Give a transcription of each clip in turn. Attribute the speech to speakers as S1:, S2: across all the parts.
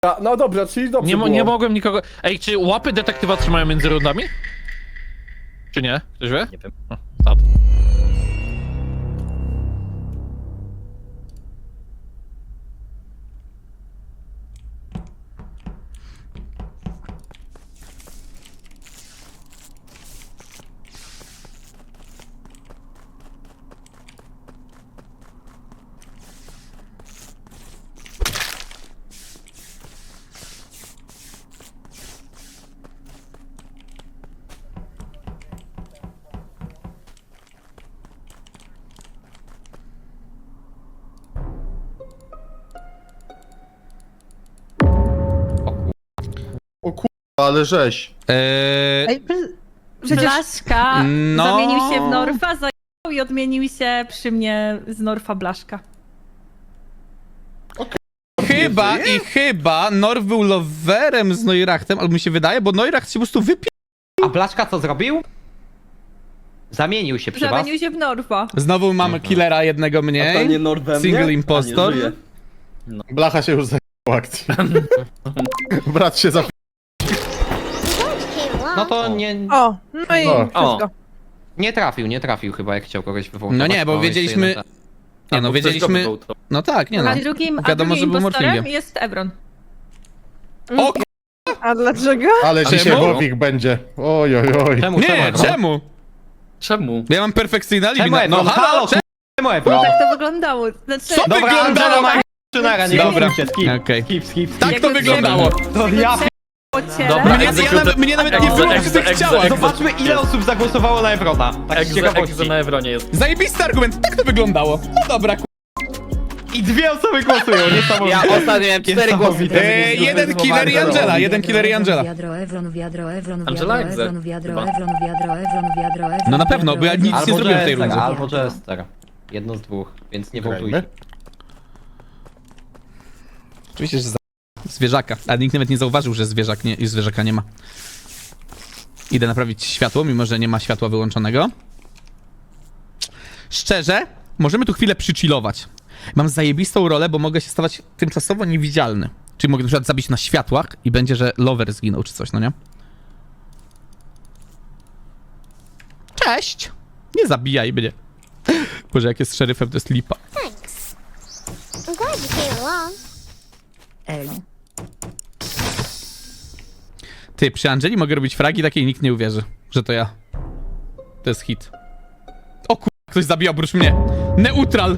S1: No dobra, czyli dobrze było.
S2: Nie mogłem nikogo... Ej, czy łapy detektywa trzymają między rundami? Czy nie? Ktoś wie?
S3: Nie wiem.
S2: Tak.
S1: O kurwa, ale żeś.
S4: Ej, przecież
S5: Blaszka
S4: no.
S5: zamienił się w Norfa, zajął i odmienił się przy mnie z Norfa Blaszka.
S6: Chyba Norf był loverem z Neurachtem, albo mi się wydaje, bo Neuracht się po prostu
S3: A Blaszka co zrobił? Zamienił się przy was?
S5: Zamienił się w Norfa.
S6: Znowu mamy killera jednego
S7: A to
S6: mniej.
S7: nie Nordem,
S6: Single
S7: nie?
S6: impostor.
S7: A, nie żyje.
S1: Blacha się już zajęła akcji. Brat się za...
S3: No to nie,
S4: O, no i
S1: O.
S4: wszystko.
S3: nie trafił chyba, jak chciał kogoś wywołać.
S6: No nie, bo wiedzieliśmy... Nie no, wiedzieliśmy... No tak, nie no.
S5: A drugim
S6: Wiadomo, że był
S5: impostorem
S6: morflingiem.
S5: jest Evron.
S6: O
S4: A dlaczego?
S1: Ale
S6: Czemu?
S1: dzisiaj Wowik będzie. Oj, oj, oj.
S3: Czemu?
S6: Nie, czemu?
S7: Czemu?
S6: Ja mam perfekcyjne alibi.
S3: Czemu
S6: No
S3: Ebron?
S6: halo, czemu?
S3: Czemu Ebron?
S5: Tak to wyglądało. Znaczy,
S6: Co
S3: Dobra,
S6: wyglądało?
S3: Angela ma Szynara, nie
S6: Dobra,
S3: skip,
S6: okej.
S3: skip.
S6: Tak to wyglądało.
S3: To ja
S5: po ciele.
S2: Dobra,
S6: Mnie nawet nie było przy tych ciałach.
S3: Zobaczmy, ile osób zagłosowało na Ebrona. Tak z ciekawości.
S2: Egzo na Evronie jest.
S6: Zajebisty argument, tak to wyglądało. No dobra,
S3: I 2 osoby głosują, niesamowite.
S7: Ja ostatnio miałem 4 głosy.
S6: Jeden killer i Angela, jeden killer i Angela.
S7: Angela Egze.
S6: No na pewno, bo ja nic nie zrobiłem w tej rundzie.
S3: Albo Jester. Jedno z dwóch, więc nie
S1: Grajmy.
S3: wołtujcie.
S6: Oczywiście, że zwierzaka, ale nikt nawet nie zauważył, że zwierzaka nie ma. Idę naprawić światło, mimo że nie ma światła wyłączonego. Szczerze, możemy tu chwilę przychillować. Mam zajebistą rolę, bo mogę się stawać tymczasowo niewidzialny. Czyli mogę na przykład zabić na światłach i będzie, że lover zginął czy coś, no nie? Cześć! Nie zabijaj mnie. Boże, jak jest szeryfem, to jest lipa.
S8: I'm glad you came along.
S6: Ty, przy Angeli mogę robić fragi takie i nikt nie uwierzy, że to ja. To jest hit. O kur... ktoś zabija oprócz mnie. Neutral!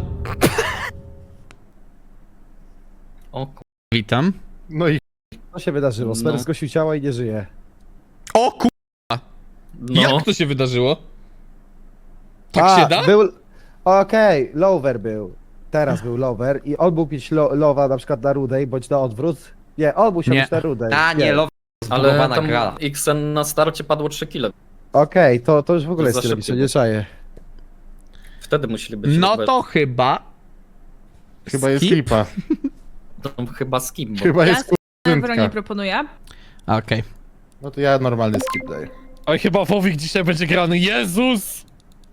S7: O ku...
S6: Witam.
S1: No i
S9: Co się wydarzyło? Smer zgłosił ciała i nie żyje.
S6: O kur...
S7: No.
S6: Jak to się wydarzyło? Tak się da?
S9: Był... Okej, Lover był. Teraz był Lover i on mógł mieć Lowa na przykład na Rudej, bądź na odwrót. Nie, on musiał
S6: Nie.
S9: być na Rudej.
S3: A nie, Love
S7: Ale
S3: zbudowana
S7: tam
S3: gra.
S7: XN na starcie padło 3 kile.
S9: Okej, to już w ogóle
S7: To
S9: jest
S7: za
S9: tyle,
S7: szybko.
S9: nie czaję.
S7: Wtedy musieli być.
S6: No
S7: Robert.
S6: to chyba...
S1: chyba jest
S6: Skip?
S1: lipa.
S7: To chyba skip, bo...
S1: Chyba
S5: Ja
S1: jest
S5: Evronie
S1: kurczynka.
S5: proponuję.
S6: Okej.
S1: No to ja normalny skip daję.
S2: Oj, chyba Wowik dzisiaj będzie grany. Jezus!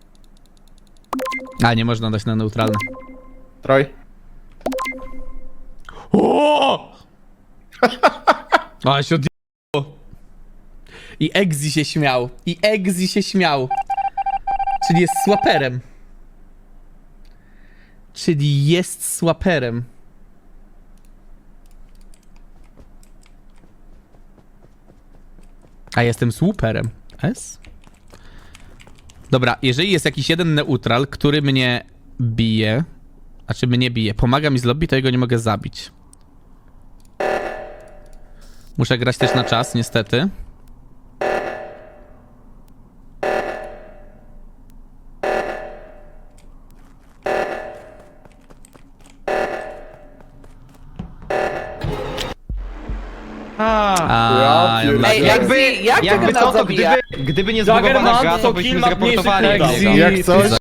S6: A, nie można dać na neutralne.
S1: Troj.
S6: O! Ale się odjebało. I Egzi się śmiał. Czyli jest swaperem. A jestem słuperem. S? Dobra, jeżeli jest jakiś jeden neutral, który mnie bije, a czy mnie bije, pomaga mi z lobby, to jego nie mogę zabić. Muszę grać też na czas, niestety. A, ja
S1: Ej,
S3: Jakby to, to gdyby nie zbudowana gra, to byśmy zreportowali niego.
S1: Jak coś?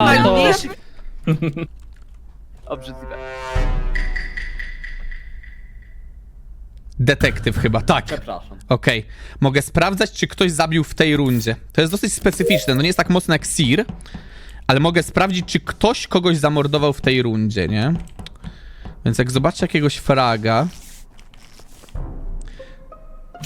S6: Detektyw chyba, tak.
S7: Przepraszam.
S6: Okej. Mogę sprawdzać, czy ktoś zabił w tej rundzie. To jest dosyć specyficzne, no nie jest tak mocno jak Seer, ale mogę sprawdzić, czy ktoś kogoś zamordował w tej rundzie, nie? Więc jak zobaczę jakiegoś fraga...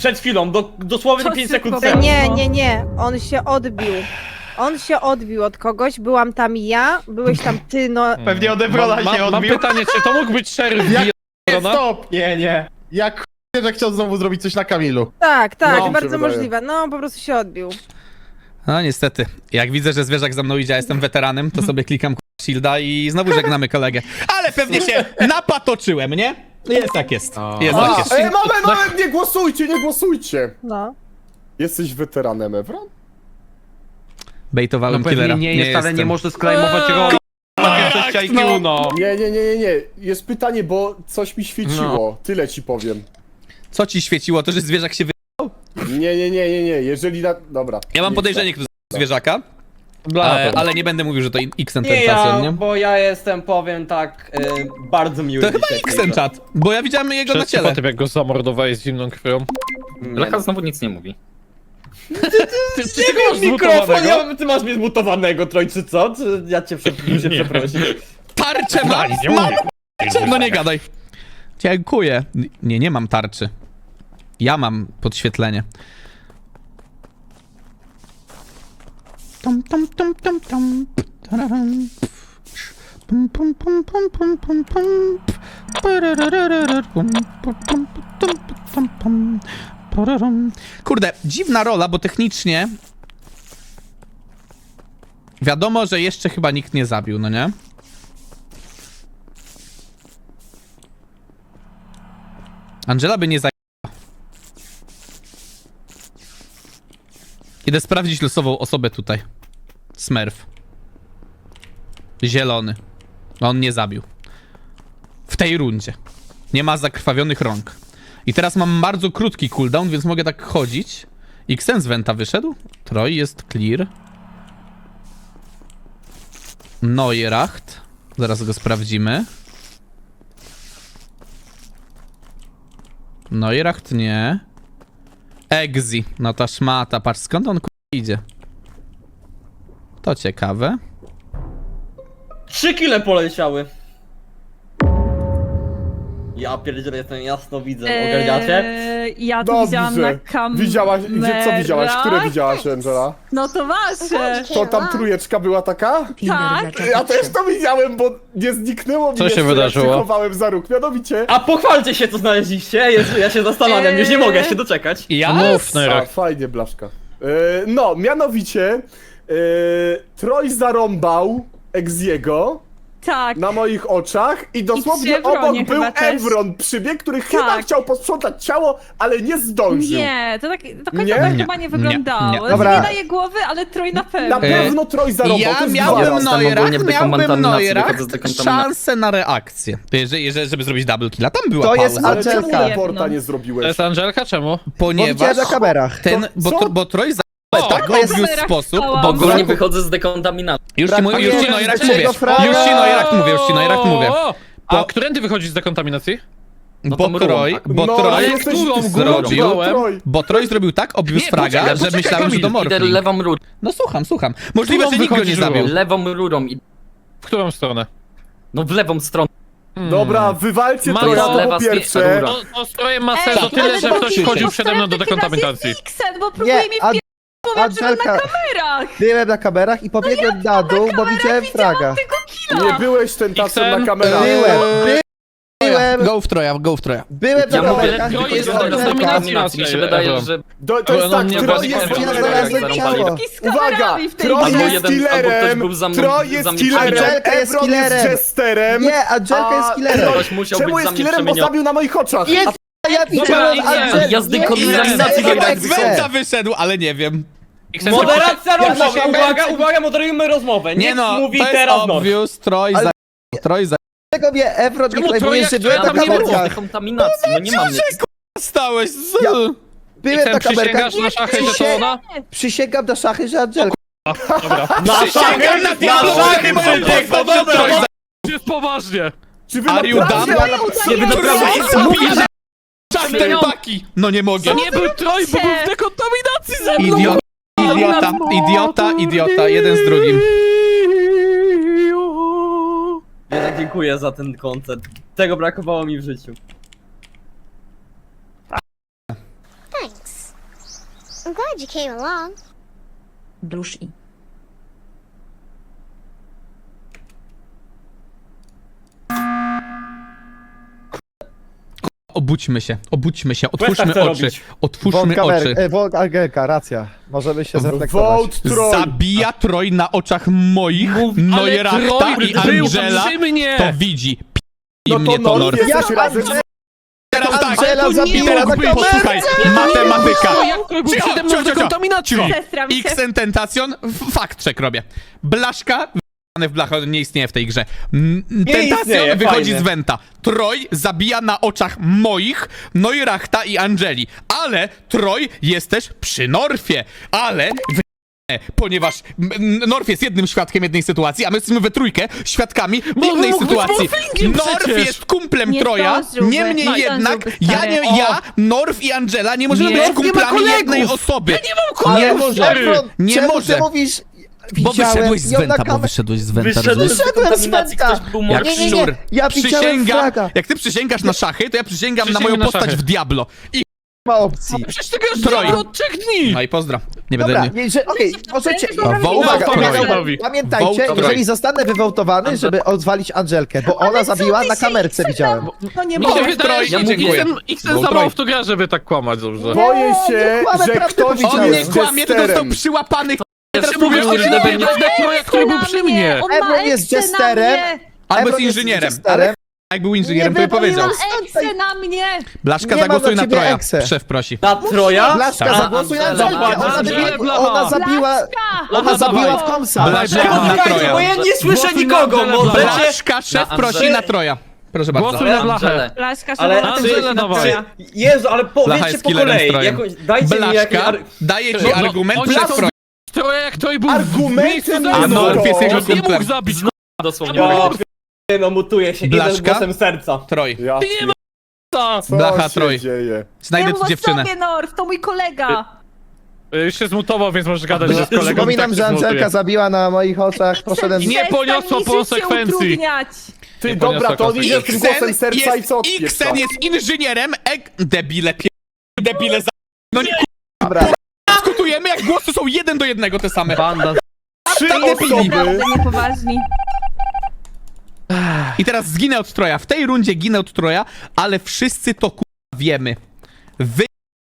S3: przed chwilą, dosłownie
S5: To
S3: 5
S5: szybko
S3: sekund
S5: było.
S3: temu.
S4: Nie. On się odbił. On się odbił od kogoś, byłam tam ja, byłeś tam ty, no.
S3: Pewnie od Evrola się
S2: Mam
S3: odbił.
S2: pytanie, czy to mógł być szeryf Biedrona?
S1: Stop!
S3: Nie.
S1: Jak że chciał znowu zrobić coś na Kamilu.
S4: Tak,
S1: No, mi się
S4: bardzo
S1: wydaje.
S4: możliwe. No, po prostu się odbił.
S6: No niestety, jak widzę, że zwierzak za mną idzie, a jestem weteranem, to sobie klikam shielda i znowu żegnamy kolegę. Ale pewnie się napatoczyłem, nie? Jest jak jest. Jest jak jest.
S10: Moment, nie głosujcie!
S4: No.
S10: Jesteś weteranem Evron?
S6: Bejtowałem
S3: No
S6: killera.
S3: pewnie nie jest, ale nie
S6: jestem.
S3: można sklejmować roli. Takie IQ, no.
S10: Nie. Jest pytanie, bo coś mi świeciło. Tyle ci powiem.
S6: Co ci świeciło? To, że zwierzak się wy...
S10: Nie. Jeżeli Dobra.
S6: Ja mam
S10: Nie
S6: podejrzenie, kto z zwierzaka,
S3: Bla,
S6: ale nie będę mówił, że to Xen
S3: Nie
S6: Tentacion,
S3: ja,
S6: nie?
S3: bo ja jestem, powiem tak, bardzo miły
S6: To chyba
S3: dzisiaj.
S6: Xen czat, bo ja widziałem jego na
S2: Wszyscy
S6: ciele.
S2: po tym, jak go zamordowałeś z zimną krwią.
S7: Lecha znowu nic nie mówi.
S2: Ty
S3: Nie
S2: go masz
S3: wiem, mikrofon,
S2: zmutowanego?
S3: ty masz mnie zmutowanego, Troj, czy co? Czy ja cię muszę przeprosić?
S6: Tarczę ma?
S2: Nie
S6: Ma!
S2: mówię.
S6: No nie gadaj. Dziękuję. Nie mam tarczy. Ja mam podświetlenie. Tom, tom, tom, tom, tom. Tararam. Pum, pum, pum, pum, pum, pum, pum. Pararararar. Pum, pum, pum, pum, pum, pum. Pararam. Kurde, dziwna rola, bo technicznie wiadomo, że jeszcze chyba nikt nie zabił, no nie? Angela by nie zajęła. Idę sprawdzić losową osobę tutaj. Smurf. Zielony. On nie zabił. W tej rundzie. Nie ma zakrwawionych rąk. I teraz mam bardzo krótki cooldown, więc mogę tak chodzić. Xen z Venta wyszedł. Troj jest clear. Neuracht. Zaraz go sprawdzimy. Neuracht nie. Exi. No ta szmata. Patrz skąd on idzie. To ciekawe.
S3: 3 kile poleciały. Ja pierdzielę, jestem jasno widzę, ogarniacie?
S5: Ja to widziałam na kamerach.
S10: Co widziałaś? Które widziałaś, Angela?
S5: No to wasze.
S10: To tam trójeczka była taka?
S5: Tak.
S10: Ja też to widziałem, bo nie zniknęło mi
S2: Co się
S10: jeszcze,
S2: wydarzyło?
S10: jak się chowałem za róg. Mianowicie...
S3: A pochwalcie się, co znaleźliście, Jezu, ja się zastanawiam, już nie mogę się doczekać.
S6: Ja?
S2: Mów, Nerek.
S10: Fajnie, blaszka. No, mianowicie... Troj zarąbał Exiego
S5: Tak.
S10: na moich oczach i dosłownie
S5: przy Evronie
S10: obok był
S5: chyba też.
S10: Evron przybieg, który chyba
S5: Tak.
S10: chciał posprzątać ciało, ale nie zdążył.
S5: Nie, to tak do końca
S10: Nie?
S5: tak
S6: Nie.
S5: chyba nie wyglądało.
S6: Nie.
S9: Dobra.
S5: Nie daje głowy, ale Troj na pewno.
S10: Na pewno Troj zarąbał, to
S6: Ja
S10: jest
S6: miałbym
S10: gwiazda.
S7: Jestem ogólnie w dekontaminacji, wychodzę z
S6: Neuracht
S7: dekontaminacji.
S6: szansę na reakcję. Żeby zrobić double killa. Tam była
S9: To jest
S6: pauza.
S10: Ale czemu
S9: Angelka.
S10: raporta nie
S2: To
S10: zrobiłeś?
S2: jest Angelka? Czemu?
S9: Bo widziałem
S6: Ponieważ
S9: na kamerach.
S6: ten,
S10: Co?
S6: bo Troj za
S2: O,
S6: tak
S9: to jest-
S6: obvious sposób,
S5: Bo
S6: bo
S7: Ogólnie
S6: go...
S7: wychodzę z dekontaminacji.
S6: Już ci
S9: Brakuje
S6: Neuracht
S9: trzeciego
S6: mówię.
S9: fraga.
S6: Już ci Neuracht mówię.
S2: A
S6: Bo-
S2: którędy wychodzisz z dekontaminacji?
S7: No
S6: Bo
S7: to mrugą,
S6: Troj,
S7: tak.
S6: bo
S10: No,
S6: Troj
S10: ale jesteś
S6: zrobił,
S10: Troj.
S6: bo Troj zrobił tak obvious
S2: Nie,
S6: fraga,
S2: poczekaj,
S6: że myślałem, że to
S7: Idę
S6: Morphling.
S7: lewą rurą.
S6: No słucham. Możliwe,
S2: Którą
S6: że nikt go nie
S2: wychodzisz
S6: zabił.
S2: rurą?
S7: Lewą rurą i...
S2: W którą stronę?
S7: No w lewą stronę.
S10: Dobra, wywalcie
S2: Mam
S10: Troja, to
S7: lewa
S10: po pierwsze.
S7: rura.
S2: To strojem ma sens o
S5: ale
S2: tyle, że
S5: to
S2: ktoś
S5: Xen.
S2: wchodził przede mną do dekontaminacji.
S5: Xen, bo próbuje mi
S9: Nie,
S5: wpierdować, że na
S9: Angelka,
S5: kamerach.
S9: byłem na kamerach i pobiegłem na dół, bo widziałem fraga.
S10: Nie byłeś tentatem na
S2: Xen?
S10: kamerach.
S9: Byłem
S6: Go w Troja.
S9: na
S7: Ja mówię,
S9: kamerach.
S2: Troj
S9: to
S2: jest
S9: jest
S2: w
S9: Angelka.
S2: dekontaminacji.
S7: Mi się wydaje, że...
S10: To jest
S2: No,
S10: tak,
S2: nie
S10: Troj
S2: bardziej
S10: jest
S2: Evron.
S10: killerem.
S9: Ciało.
S5: Z
S10: Uwaga!
S5: kamerami w tej
S10: Troj
S7: Albo
S10: jest
S7: jeden- albo ktoś
S10: killerem,
S7: był za mną-
S10: Troj jest
S7: za mnie
S10: killerem,
S9: Angelka jest
S10: Evron jest
S9: killerem.
S10: jesterem.
S9: Nie, Angelka jest killerem.
S7: Ktoś musiał
S10: Czemu
S7: być za
S10: jest
S7: mnie
S10: killerem, bo
S7: przemieniony.
S10: zabił na moich oczach?
S9: Jest, ja widziałem
S2: Xen.
S9: Angelkę.
S7: Ja z dekontaminacji
S6: Chyba
S7: tak
S6: Xenta wyszedł, ale nie wiem.
S2: Xen,
S3: Moderacja rozmowy,
S9: przysięgam-
S3: uwaga, moderujmy rozmowę.
S6: Nie
S3: Niech
S6: no,
S3: mówi
S6: to jest
S3: teraz Norf.
S6: obvious. Troj za...
S9: Dlaczego mnie Evron nie
S2: Czemu
S9: klejmuje,
S2: Troja-
S9: że byłem
S2: ja
S9: na
S2: tam nie
S7: Wychodzę z
S9: kamerach?
S7: dekontaminacji, no nie mam nic.
S6: Stałeś z...
S9: Ja- Byłem
S2: Xen,
S9: na kamerach.
S2: przysięgasz na szachy, że to ona?
S9: Przysięgam na szachy, że Angelka.
S6: Przysięgam na
S3: szachy,
S6: moją
S3: no
S6: dobra. Troj za...
S2: Jest poważnie.
S10: Czy wy
S6: Are you
S10: naprawdę...
S6: dumb?
S7: Nie, wy naprawdę...
S6: Troj mówi, że... Czarne paki! No nie mogę.
S2: To nie był Troj, bo był w dekontaminacji ze mną.
S6: Idiota, jeden z drugim.
S3: Jednak dziękuję za ten koncert. Tego brakowało mi w życiu.
S8: Thanks. I'm glad you came along.
S5: Dusz i.
S6: Obudźmy się,
S7: Questa
S6: otwórzmy
S7: chce
S6: oczy,
S7: robić.
S6: otwórzmy oczy.
S9: Angelka, racja. Możemy się zreflektować.
S10: Vote Troy!
S6: Zabija Troj na oczach moich, Neurachta
S2: Troy
S6: i
S2: był
S6: Angela
S2: przy mnie!
S6: to widzi.
S10: No
S6: mnie
S10: to
S6: to
S10: Norf
S6: Norf.
S10: jesteś razem.
S6: Teraz tak,
S9: Angela
S6: to
S9: zabiła
S6: nie
S9: na
S6: mógł być, posłuchaj, matematyka.
S2: O, jak Troy był przede mną w dekontaminacji!
S5: Zestram się.
S6: X tentacjon, fakt check robię. Blaszka, w blachę, on nie istnieje w tej grze. Tentacjon
S7: istnieje,
S6: wychodzi
S7: fajnie.
S6: z Wenta. Troj zabija na oczach moich, Neurachta i Angeli. Ale Troj jest też przy Norfie. Ale ponieważ Norf jest jednym świadkiem jednej sytuacji, a my jesteśmy we trójkę świadkami w innej
S2: mógł być
S6: sytuacji.
S2: morfingiem
S6: Norf
S2: przecież.
S6: jest kumplem
S5: Nie
S6: Troja,
S5: zdążyłby.
S6: niemniej
S5: No,
S6: jednak
S5: zdążyłby, stary.
S6: ja, Norf i Angela nie możemy
S2: Nie.
S6: być
S2: Norf nie ma
S6: kumplami
S2: kolegów.
S6: jednej osoby.
S2: Nie mam
S6: Nie
S2: kolegów,
S6: może.
S2: stary.
S6: Nie
S9: czemu
S6: może.
S9: Ty mówisz,
S6: Bo
S9: widziałem
S6: wyszedłeś z
S9: ją na
S6: Wenta, bo
S9: kamerze.
S6: wyszedłeś z Wenta.
S7: Wyszedłem
S6: rozumiesz?
S7: z
S9: Wyszedłem z
S7: dekontaminacji,
S9: Wenta.
S7: ktoś był
S6: Jak
S7: młodszy.
S9: nie,
S6: szczur.
S9: ja widziałem
S6: Przysięgam,
S9: flaga.
S6: jak ty przysięgasz na szachy, to ja przysięgam na moją
S2: Przysięgam na
S6: postać
S2: szachy.
S6: w Diablo. I
S9: Ma opcji.
S2: Przecież ty grasz
S6: Troj.
S2: Troj od 3 dni!
S6: no i pozdro. Nie będę...
S9: Dobra, okej, możecie...
S6: Wołt
S9: Uwaga,
S6: Troy.
S9: pamiętajcie,
S6: Wołt
S9: jeżeli
S6: Troy.
S9: zostanę wywołtowany, żeby odwalić Angelkę, bo ona zabiła na kamerce, widziałem.
S5: To nie
S2: Mi się
S5: może.
S2: wydaje, że
S6: dziękuję.
S2: Xen
S6: Vote
S2: za mało
S6: Troy.
S2: w to gra, żeby tak kłamać dobrze.
S10: Boję się,
S9: kłamę,
S10: że
S9: prawdę
S10: ktoś
S9: powiedziałem.
S6: On nie
S10: jest
S6: kłamie, to został
S10: jesterem.
S6: przyłapany. Teraz
S2: Mówię,
S6: mówię,
S2: że
S6: że
S2: będzie
S6: będzie...
S2: Troja, który był przy mnie!
S5: On ma
S9: Ebron jest
S5: eksy na
S9: jesterem.
S5: mnie.
S6: Albo
S9: Ebron
S6: jest
S9: jest
S6: inżynierem.
S9: jesterem.
S6: Jak był inżynierem,
S9: Nie
S6: to by powiedział.
S9: wywaliło-
S5: Eksy na mnie.
S6: Blaszka,
S9: Nie ma
S6: zagłosuj
S9: dla
S6: na
S9: ciebie
S6: Troja.
S9: ekse.
S6: Szef prosi.
S7: Na Troja?
S9: Blaszka,
S6: Tak.
S9: zagłosuj na
S7: Angela,
S9: Angelkę.
S2: Angela,
S9: Ona zabiła... Ona zabiła w komsa.
S6: Blaszka na
S7: Czekajcie,
S6: Troja.
S7: bo ja nie słyszę
S2: Głosuj
S7: nikogo,
S2: na Angelę,
S7: możecie...
S6: Blaszka, szef
S7: Na
S6: prosi
S7: Angelę.
S6: na Troja. Proszę bardzo.
S2: Głosuj na blachę.
S5: Blaszka,
S7: Ale
S5: szanowna,
S2: Angelę
S5: to jest
S2: dawaj.
S5: Troja.
S7: Jezu, ale
S6: Blacha
S7: powiedzcie
S6: jest
S7: po
S6: killerem
S7: kolei.
S6: Trojem.
S7: Dajcie mi jakiś...
S6: Blaszka daje ci argument
S2: oni
S6: przed
S2: są
S6: Trojem.
S2: Troja jak Troj był w
S10: Argumentem
S2: miejscu
S10: jest
S2: za
S6: A
S2: mną.
S6: Norf jest jego
S2: On nie mógł
S6: kumplem.
S2: zabić.
S7: Dosłownie. No mutuję się,
S6: Blaszka?
S7: jeden głosem serca.
S6: Troj.
S10: Ja
S2: Ty nie ma
S10: co
S6: Blacha,
S10: się
S6: Troy.
S10: dzieje?
S5: Nie
S6: Znajdę
S5: mów
S6: ci
S5: o
S6: dziewczynę.
S5: sobie, Norf, to mój kolega.
S2: Już się zmutował, więc możesz gadać że z kolegą.
S9: Przypominam,
S2: tak
S9: że
S2: się
S9: Angelka
S2: zmutuje.
S9: zabiła na moich oczach, poszedłem...
S2: Nie
S5: Przestań
S2: poniosło
S5: mi życie
S2: konsekwencji.
S5: utrudniać.
S10: Ty,
S2: Nie
S10: dobra,
S2: poniosła
S10: to on idzie z tym głosem
S6: Xen
S10: serca i co odpieprza?
S6: Xen jest inżynierem, debile, debile za... No nie,
S9: Dobra.
S6: dyskutujemy, jak głosy są 1 do 1 te same.
S7: Banda.
S10: 3
S6: debili.
S10: osoby.
S5: Naprawdę niepoważni.
S6: I teraz zginę od Troja. W tej rundzie ginę od Troja, ale wszyscy to wiemy. Wy...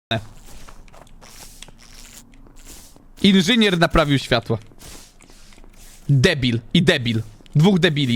S6: Inżynier naprawił światło. Debil i debil. Dwóch debili.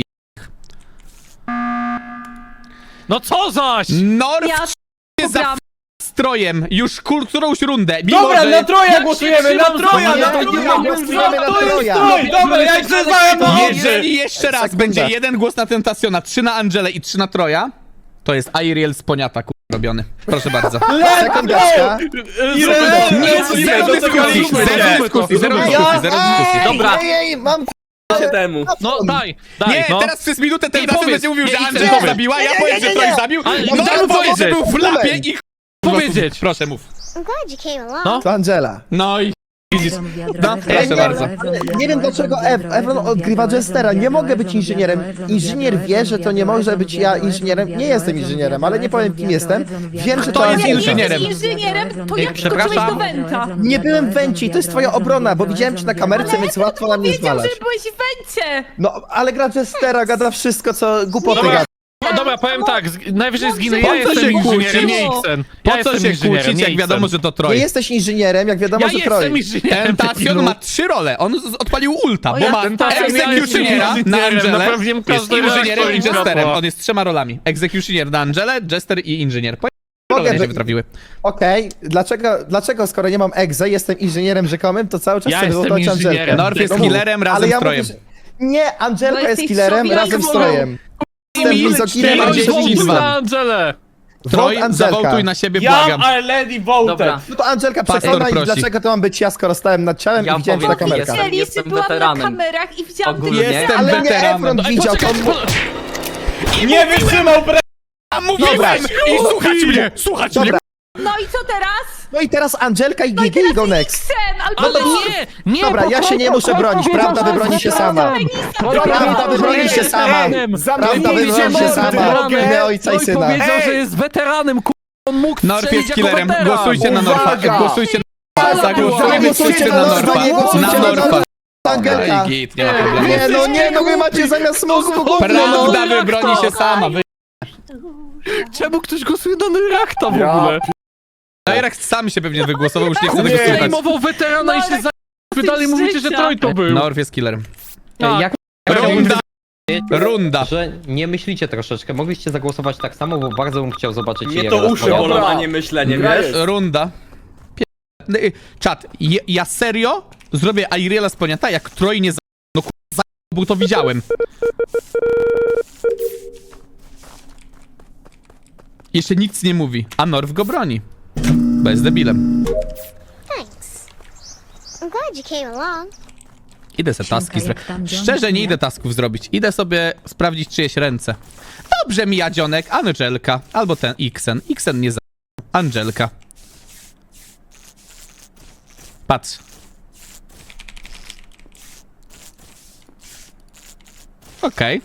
S2: No co zaś?
S6: Norf
S5: Ja
S6: się za
S5: pobrałam.
S6: Strojem już którąś rundę. Mimo,
S7: Dobra,
S6: że...
S7: na Troja
S2: Jak
S7: głosujemy,
S2: się
S7: na
S2: trzymam
S7: Troja,
S2: z
S7: na
S2: tobą,
S7: Troja!
S2: nie
S9: głosujemy na
S7: To jest
S9: Troja.
S7: Troj, dobra, ja się znałem na
S6: Jeżeli jeszcze raz
S9: Sekunda.
S6: będzie 1 głos na Tentacjona, 3 na Angelę i 3 na Troja, to jest Ariel z poniata robiony. Proszę bardzo.
S9: Sekundeczka.
S6: Nie, zero dyskusji, zero dyskusji, zero dyskusji.
S7: Dobra.
S9: Ej, mam
S7: się temu.
S2: No daj,
S6: Nie,
S2: no.
S6: teraz przez minutę Tentacion
S2: powiedz,
S6: będzie mówił, że
S2: nie,
S6: Angela
S2: powiedz.
S6: zabiła, ja powiem, że Troy zabił.
S2: Ale
S6: No
S2: daj
S6: albo
S2: powiedzieć.
S6: że był w lapie i
S2: Powiedzieć.
S6: Proszę, mów.
S8: I'm glad you came along.
S2: No.
S9: To Angela.
S6: No i widzisz. No, proszę
S9: nie,
S6: bardzo.
S9: Nie wiem dlaczego Evron odgrywa Jestera. Nie mogę być inżynierem. Inżynier wie, że to nie może być ja inżynierem. Nie jestem inżynierem, ale nie powiem kim jestem. Wiem, że
S6: Kto
S9: to
S6: jest
S5: Jak
S6: inżynierem?
S5: jesteś inżynierem, to jak skoczyłeś
S6: Przepraszam.
S5: do Wenta?
S9: Nie byłem w Wenci, to jest twoja obrona, bo widziałem cię na kamerce, więc łatwo na mnie
S5: Wiedział,
S9: znaleźć.
S5: że byłeś w Wencie.
S9: No, ale gra Jestera, gada wszystko, co głupoty
S2: Dobra.
S9: gada.
S2: No dobra, powiem tak, najwyżej zginę,
S6: Po
S2: ja
S6: co
S2: jestem
S6: się
S2: inżynierem,
S6: kłócić?
S2: nie Xen.
S6: Po
S2: Ja
S6: co
S2: jestem
S6: się
S2: inżynierem,
S6: kłócić,
S2: nie
S6: jak wiadomo,
S2: Xen.
S6: że to
S9: Nie
S6: Troy?
S9: jesteś inżynierem, jak wiadomo,
S2: Ja
S9: że
S2: jestem
S9: Troy.
S2: inżynierem.
S6: Tentacion ma 3 role. On odpalił ulta, bo ma
S2: Tentacion ja jestem
S6: Executionera na
S2: inżynierem,
S6: Angelę,
S2: naprawiłem
S6: jest
S2: każdy
S6: inżynierem
S2: reaktor
S6: i
S2: i
S6: jesterem.
S2: światło.
S6: On jest 3 rolami. Executioner na Angelę, jester i inżynier. Role się
S9: być-
S6: wytrafiły.
S9: Okej, dlaczego skoro nie mam egze, jestem inżynierem rzekomym, to cały czas
S2: Ja
S9: chcę
S2: jestem
S9: wywołać
S2: inżynierem.
S9: Angelkę.
S6: Norf jest
S9: No mów.
S6: killerem razem
S9: Ale ja
S6: z Trojem.
S9: mówię, że... Nie, Angelka
S5: Bo
S9: jest
S5: jesteś
S9: killerem
S5: sobie
S9: razem z
S5: alkoholą.
S9: Trojem. Jestem mizoginem, a
S6: Cztery,
S9: jesteś
S6: dziesięć,
S9: inżynierem.
S2: na Angelę.
S6: Troj,
S9: Vote Angelka.
S6: zawołtuj na siebie,
S7: Ja
S6: błagam.
S7: already voted.
S3: Dobra.
S9: No to Angelka
S6: Pastor
S9: przekona i
S6: prosi.
S9: dlaczego to mam być ja, skoro stałem nad ciałem
S3: Ja
S9: i widziałem cię na
S3: powiem,
S9: kamerkach.
S3: jestem-
S5: Widzieli, że byłam na
S3: weteranem.
S5: kamerach i widziałam
S3: Ogólnie.
S5: tego
S6: Jestem
S9: Ale nie
S6: weteranem.
S9: Efron widział, to
S7: Nie wytrzymał
S6: A mówiłem! I słuchać mnie!
S9: Dobra.
S5: No i co teraz?
S9: No i teraz Angelka i
S5: No i
S9: Gigi
S5: teraz
S9: go next.
S5: Xen, albo
S2: Ale
S5: Norf.
S2: nie,
S9: Dobra, ja się nie muszę bronić, prawda wybroni się sama. Prawda wybroni się sama. Prawda wybroni się sama. W imię ojca i syna.
S2: powiedział, że jest weteranem, on mógł
S6: Norf
S2: strzelić
S6: jest
S2: jako
S6: killerem.
S2: weteran.
S6: Głosujcie na Norfa.
S10: Uwaga!
S6: Głosujcie na Zagłosujemy wszyscy na Norfa. Na Norfa.
S9: Angelka.
S6: No i git, nie ma problemu.
S9: Nie, no wy macie zamiast mózgu gówno, no.
S6: Prawda wybroni się sama.
S2: Czemu ktoś głosuje na Neurachta w
S10: Ja
S2: ogóle?
S6: Najrak sam się pewnie wygłosował, już nie chce
S10: Nie.
S6: tego słuchać.
S2: Zajmował weterana i się za... Wy dalej mówicie, że Troj to był.
S6: Norf jest killerem.
S2: Tak.
S3: Jak
S6: Runda.
S3: że nie myślicie troszeczkę, mogliście zagłosować tak samo, bo bardzo bym chciał zobaczyć
S7: Mnie
S3: jego
S7: to uszy
S3: rozpoznanie.
S7: bolą, a nie myślenie,
S10: Gra
S7: wiesz?
S10: jest.
S6: Runda. Czat, ja serio zrobię Airiela z poniata, jak Troj nie no bo to widziałem. Jeszcze nic nie mówi, a Norf go broni. Bo jest debilem.
S8: Thanks. I'm glad you came along.
S6: Idę se taski zrobić. Szczerze nie idę tasków zrobić. Idę sobie sprawdzić czyjeś ręce. Dobrze mi Jadzionek, Angelka. Albo ten Xen. Xen nie za... Angelka. Patrz. Okej.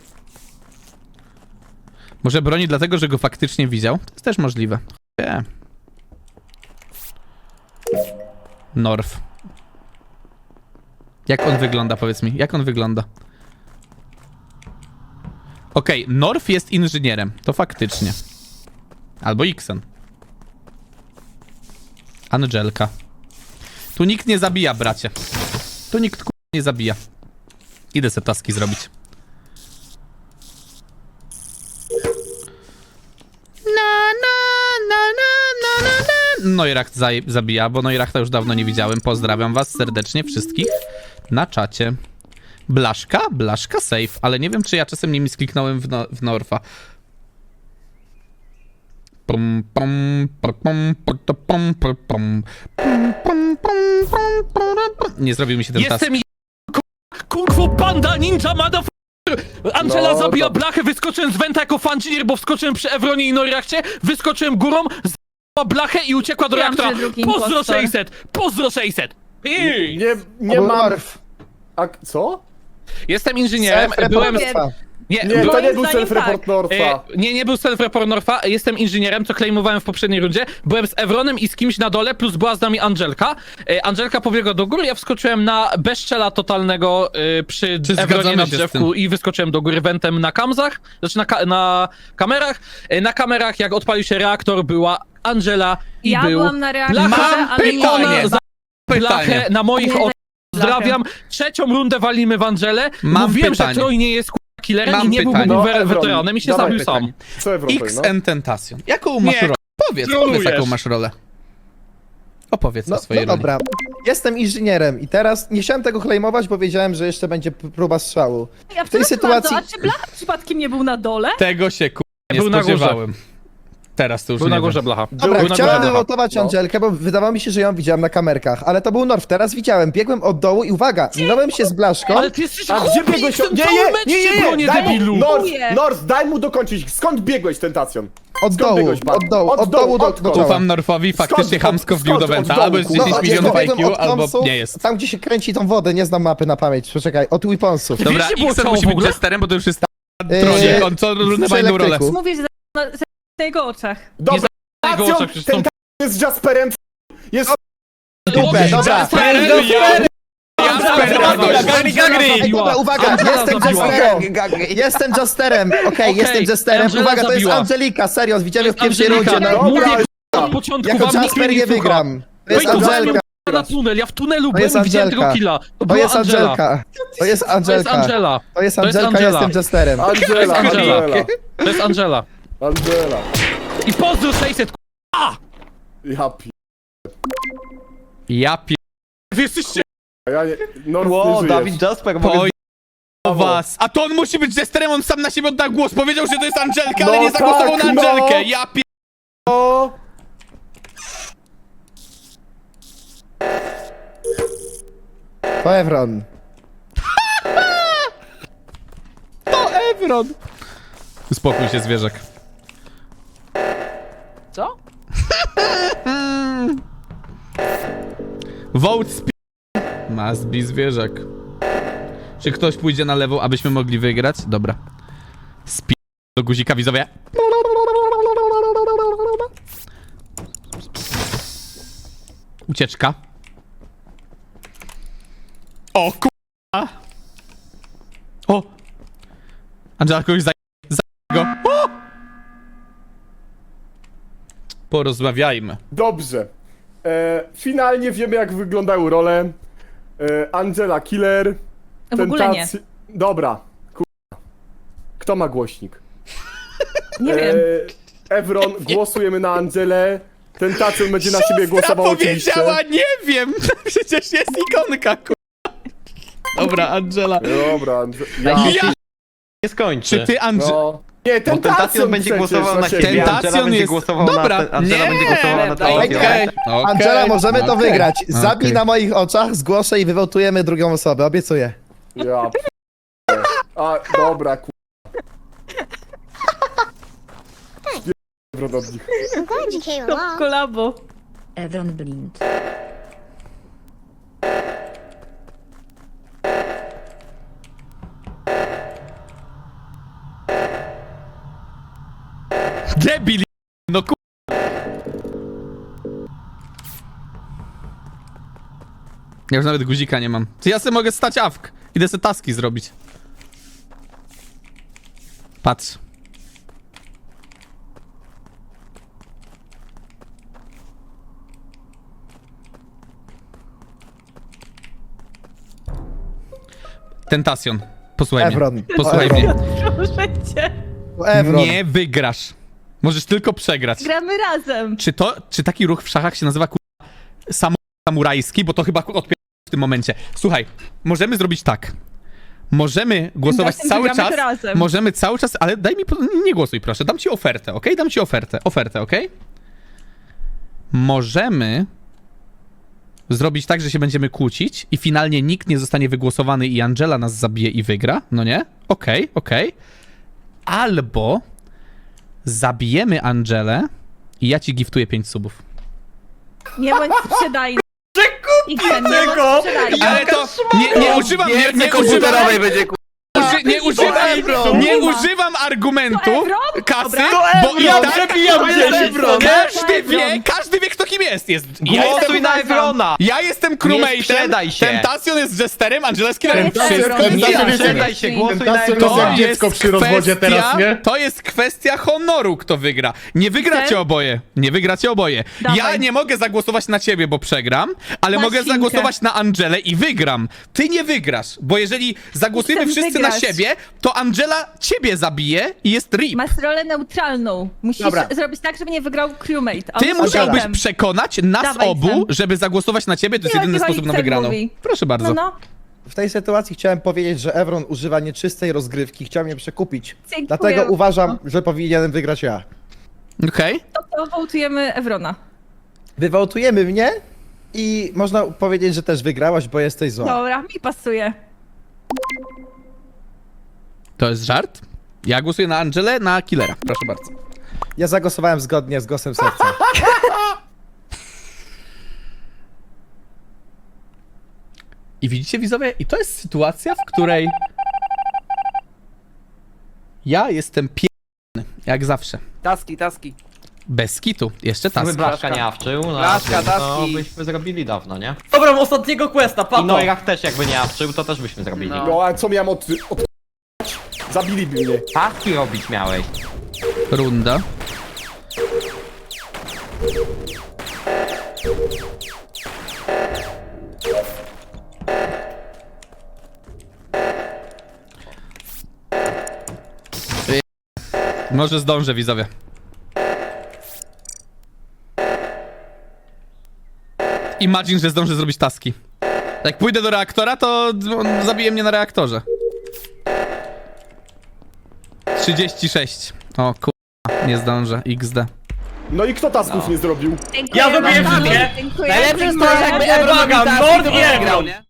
S6: Może broni dlatego, że go faktycznie widział? To jest też możliwe. Nie. Norf. Jak on wygląda, powiedz mi? Jak on wygląda? Okej, Norf jest inżynierem. To faktycznie. Albo Xen. Angelka. Tu nikt nie zabija, bracie. Tu nikt nie zabija. Idę se taski zrobić. Neuracht zabija, bo Neurachta już dawno nie widziałem. Pozdrawiam was serdecznie wszystkich na czacie. Blaszka? Blaszka safe, ale nie wiem, czy ja czasem nie miskliknąłem w Norfa. Nie zrobił mi się ten task.
S2: Jestem Kung Fu Panda Ninja Motherfucker! Angela
S10: No,
S2: zabija
S10: to-
S2: blachę, wyskoczyłem z Wenta jako fanchinier, bo wskoczyłem przy Evronie i Neurachcie, wyskoczyłem górą, z***ła blachę i uciekła do
S5: Wiem,
S2: reaktora.
S5: że drugi
S2: Pozdro
S5: impostor.
S2: 600! Pozdro 600!
S10: Nie
S9: Był
S10: mam...
S9: Norf.
S10: A co?
S2: Jestem inżynierem,
S9: Self-report
S2: byłem...
S9: Norfa.
S2: Nie,
S10: Nie, to nie był
S5: zdaniem
S10: self-report
S5: tak.
S10: Norfa.
S2: Nie był self-report Norfa, jestem inżynierem, co claimowałem w poprzedniej rundzie. Byłem z Evronem i z kimś na dole, plus była z nami Angelka. Angelka pobiegła do góry, ja wskoczyłem na bezczela totalnego przy
S6: Czy
S2: Evronie
S6: zgadzamy
S2: na
S6: się z
S2: drzewku i wyskoczyłem do góry wentem na kamzach, znaczy na kamerach. Na kamerach, jak odpalił się reaktor, była Angela i
S5: Ja
S2: był
S5: byłam na reaktorze,
S2: Blacha,
S5: ale
S6: pytanie.
S2: ona za blachę
S6: Pytanie.
S2: na moich
S5: Nie,
S2: oczach. Pozdrawiam. Trzecią rundę walimy w Angelę.
S6: Mam
S2: Mówiłem,
S6: pytanie.
S2: że Troy nie jest killerem
S6: Mam
S2: i nie
S6: pytanie.
S2: byłby
S10: No, Evron,
S2: weteranem i się
S10: dawaj
S2: zabił sam.
S6: pytanie.
S10: Co Evron
S6: XN Tentacion. Jaką masz
S2: Nie,
S6: rolę? Powiedz
S2: trolujesz.
S6: jaką masz rolę. Opowiedz
S9: No,
S6: o swojej
S9: no
S6: roli.
S9: dobra. Jestem inżynierem i teraz nie chciałem tego claimować, bo wiedziałem, że jeszcze będzie próba strzału.
S5: Ja
S9: W tej sytuacji...
S5: A czy Blacha przypadkiem nie był na dole?
S6: Tego się nie
S2: Był na górze.
S6: spodziewałem. Teraz to już
S2: Był
S6: nie
S2: na górze
S6: wiem.
S2: blacha.
S9: Dobra,
S2: Był na
S9: chciałem
S2: górze blacha.
S9: wywołtować Angelkę, bo wydawało mi się, że ją widziałem na kamerkach, ale to był Norf, teraz widziałem, biegłem od dołu i uwaga, minąłem się z Blaszką.
S2: Ale ty jesteś
S10: A gdzie biegłeś?
S2: Nie,
S10: Daj mu,
S2: debilu!
S10: Norf, daj mu dokończyć. Skąd biegłeś, Tentacjon?
S9: Od dołu,
S10: biegłeś,
S9: od dołu, od dołu do
S10: odkąd?
S9: czoła.
S6: Ufam Norfowi, faktycznie
S10: Skąd?
S6: chamsko wbił do
S10: Skąd?
S6: Wenta.
S10: Od dołu,
S6: Albo jest
S10: kurwa.
S6: 10 milionów
S9: biegłem
S6: IQ,
S9: od
S6: albo
S9: Weaponsów,
S6: nie jest.
S9: Tam, gdzie się kręci tą wodę, nie znam mapy na pamięć, poczekaj, od Weaponsów.
S2: Wiesz,
S6: Dobra,
S2: gdzie było
S6: Xen
S2: ciało
S6: musi
S2: w
S6: być
S2: ogóle?
S6: testerem, bo to już jest tronie. On co runę
S9: przy
S6: ma inną rolę.
S9: elektryku.
S5: Mówisz, że na jego oczach.
S10: Dobra,
S2: na jego
S10: Tentacjon,
S2: oczach przecież są-
S10: Tentacjon jest Jasperem. Jest...
S9: Dupę, dobra.
S6: Jasper,
S9: Ej, dobra, uwaga, jestem Jesterem. Jestem Jesterem, okej, jestem Jesterem.
S2: Angela
S9: Uwaga, to jest
S2: zabiła.
S9: Angelika, serio, widziałem ją w pierwszej
S2: Angelika,
S9: rundzie. No,
S2: mówię,
S10: Dobra,
S2: od początku
S9: jako
S2: wam nikt
S9: Jasper
S2: mnie
S9: nie
S2: słucha.
S9: wygram. To jest
S2: Wejtowałem
S9: Angelka,
S2: ją na tunel, ja w tunelu
S9: jest
S2: byłem i widziałem
S9: Angelka.
S2: tego killa. To
S9: to
S2: była
S9: jest
S2: Angela.
S9: Angelka. To jest
S2: To jest
S9: Angelka.
S2: Angela.
S9: To jest
S2: To jest
S9: Angelka,
S2: Angela.
S9: jestem Jesterem.
S10: Angela,
S2: Angela.
S10: Angela.
S2: To jest Angela.
S10: Angela.
S2: I pozdro 600,
S10: Ja pi...
S6: Ja pi...
S2: wy jesteście...
S10: Ja nie... Norf,
S3: Ło,
S10: nie żyjesz.
S3: Dawid Jasper,
S6: Poj... was. A to on musi być Jesterem, on sam na siebie oddał głos. Powiedział, że to jest Angelka, ale
S10: No
S6: nie zagłosował
S10: tak,
S6: na
S10: no.
S6: Angelkę. Ja pi...
S10: O!
S9: To Evron.
S6: Evron. Uspokój się, zwierzak.
S2: Co?
S6: Vote spi... Must be zwierzak. Czy ktoś pójdzie na lewą, abyśmy mogli wygrać? Dobra. Spi... do guzika, widzowie. Ucieczka. O kurwa! O! Angela kogoś za go. O! Porozmawiajmy.
S10: Dobrze. Finalnie wiemy, jak wyglądają role. Angela Killer.
S5: W ogóle nie.
S10: Dobra. Kto ma głośnik?
S5: Nie wiem.
S10: Evron, głosujemy na Angelę. Tentacjon będzie na siebie głosował oczywiście.
S6: powiedziała, nie wiem! Przecież jest ikonka, kurwa. Dobra, Angela.
S10: Dobra,
S6: Ja...
S3: Nie skończy.
S6: Czy ty, Angela...
S10: no. Nie,
S3: Bo
S10: Tentacjon
S3: Tentacjon będzie
S10: przecież
S3: głosował na siebie.
S6: Tentacjon
S3: Angela będzie
S6: jest-
S3: głosował
S6: Dobra,
S3: na... Angela
S6: nie.
S3: będzie głosowała na Tentacjon.
S6: Okej,
S9: Angela, możemy to
S6: okej.
S9: wygrać. Zabij
S6: Okej.
S9: na moich oczach, zgłoszę i wywołtujemy drugą osobę, obiecuję.
S10: Ja A, dobra, Evron od nich.
S8: I'm glad you came
S5: To
S8: along.
S5: kolabo.
S11: Evron Blind.
S6: Debil, no ku... Ja już nawet guzika nie mam. Czy ja sobie mogę stać awk? Idę sobie taski zrobić. Patrz. Tentacjon. Posłuchaj mnie.
S9: Evron.
S6: Posłuchaj
S9: Evron.
S6: mnie.
S5: Proszę cię.
S9: Evron.
S6: Nie wygrasz. Możesz tylko przegrać.
S5: Gramy razem.
S6: Czy taki ruch w szachach się nazywa samurajski? Bo to chyba odpier... w tym momencie. Słuchaj, możemy zrobić tak. Możemy głosować
S5: Razem
S6: cały
S5: wygramy
S6: czas.
S5: to razem.
S6: Możemy cały czas, ale daj mi... Nie głosuj proszę, dam ci ofertę, okej? Dam ci ofertę. Ofertę, okej? Możemy zrobić tak, że się będziemy kłócić i finalnie nikt nie zostanie wygłosowany i Angela nas zabije i wygra, no nie? Okej. Albo zabijemy Angelę i ja ci giftuję 5 subów.
S5: Nie bądź sprzedajny. Przekupię
S7: tego!
S6: Ale to nie używam, nie używam argumentu
S5: To Evron?
S6: kasy,
S5: Dobra.
S6: bo i
S7: Ja
S6: tak
S7: przebijam 10
S6: każdy wie kto kim jest.
S3: Głosuj na Evrona!
S6: Ja jestem
S3: Nie
S6: crewmate'em,
S3: sprzedaj się.
S6: Tentacjon jest jesterem, Angela jest killerem.
S5: To jest
S6: Wszystko
S5: Evron.
S6: mi
S5: Nie
S6: jasne.
S3: sprzedaj się, głosuj na
S1: Tentacjon
S3: Evrona.
S1: jest jak dziecko przy rozwodzie teraz, nie?
S6: To jest kwestia honoru, kto wygra. Nie wygracie
S5: Ten?
S6: oboje. Nie wygracie oboje.
S5: Dawaj.
S6: Ja nie mogę zagłosować na ciebie, bo przegram, ale
S5: Masz
S6: mogę
S5: finkę.
S6: zagłosować na Angelę i wygram. Ty nie wygrasz, bo jeżeli zagłosujemy
S5: Chcę
S6: wszyscy na
S5: wygrać.
S6: siebie, to Angela ciebie zabije i jest rip.
S5: Masz rolę neutralną. Musisz
S9: Dobra.
S5: zrobić tak, żeby nie wygrał crewmate. A
S6: Ty
S5: on
S6: musiałbyś
S5: potem.
S6: przekonać nas
S5: Dawaj,
S6: obu,
S5: Sam.
S6: żeby zagłosować na ciebie. To jest
S5: Nie,
S6: jedyny
S5: chyba
S6: sposób na
S5: Ixel
S6: wygraną.
S5: mówi.
S6: Proszę bardzo.
S5: No.
S9: W tej sytuacji chciałem powiedzieć, że Evron używa nieczystej rozgrywki, chciał mnie przekupić.
S5: Dziękuję.
S9: Dlatego uważam, że powinienem wygrać ja.
S6: Okej.
S5: To wołtujemy Evrona.
S9: Wywołtujemy mnie i można powiedzieć, że też wygrałaś, bo jesteś zła.
S5: Dobra, mi pasuje.
S6: To jest żart? Ja głosuję na Angelę, na killera. Proszę bardzo.
S9: Ja zagłosowałem zgodnie z głosem serca.
S6: I widzicie, widzowie? I to jest sytuacja, w której ja jestem jak zawsze.
S7: Taski.
S6: Bez kitu. Jeszcze
S3: Gdyby
S6: task.
S3: Blaszka nie awczył, no,
S7: Blaszka,
S3: to
S7: taski.
S3: byśmy zrobili dawno, nie?
S7: Dobra, ostatniego questa,
S3: I
S7: pato.
S3: Noirach też jakby nie awczył, to też byśmy zrobili.
S10: No, a co miałem od... Zabiliby mnie.
S3: Taski robić miałeś.
S6: Runda. Może zdążę, widzowie. Imagine, że zdążę zrobić taski. Jak pójdę do reaktora, to on zabije mnie na reaktorze. 36. O kurwa, nie zdążę. XD.
S10: No i kto tasków nie zrobił?
S5: Dziękuję
S7: Ja zrobiłem
S5: bardzo.
S7: wszystkie.
S5: Dziękuję.
S7: Najlepsze jest to,
S5: Dziękuję.
S7: że jakby Evron robił taski, to by wygrał, nie?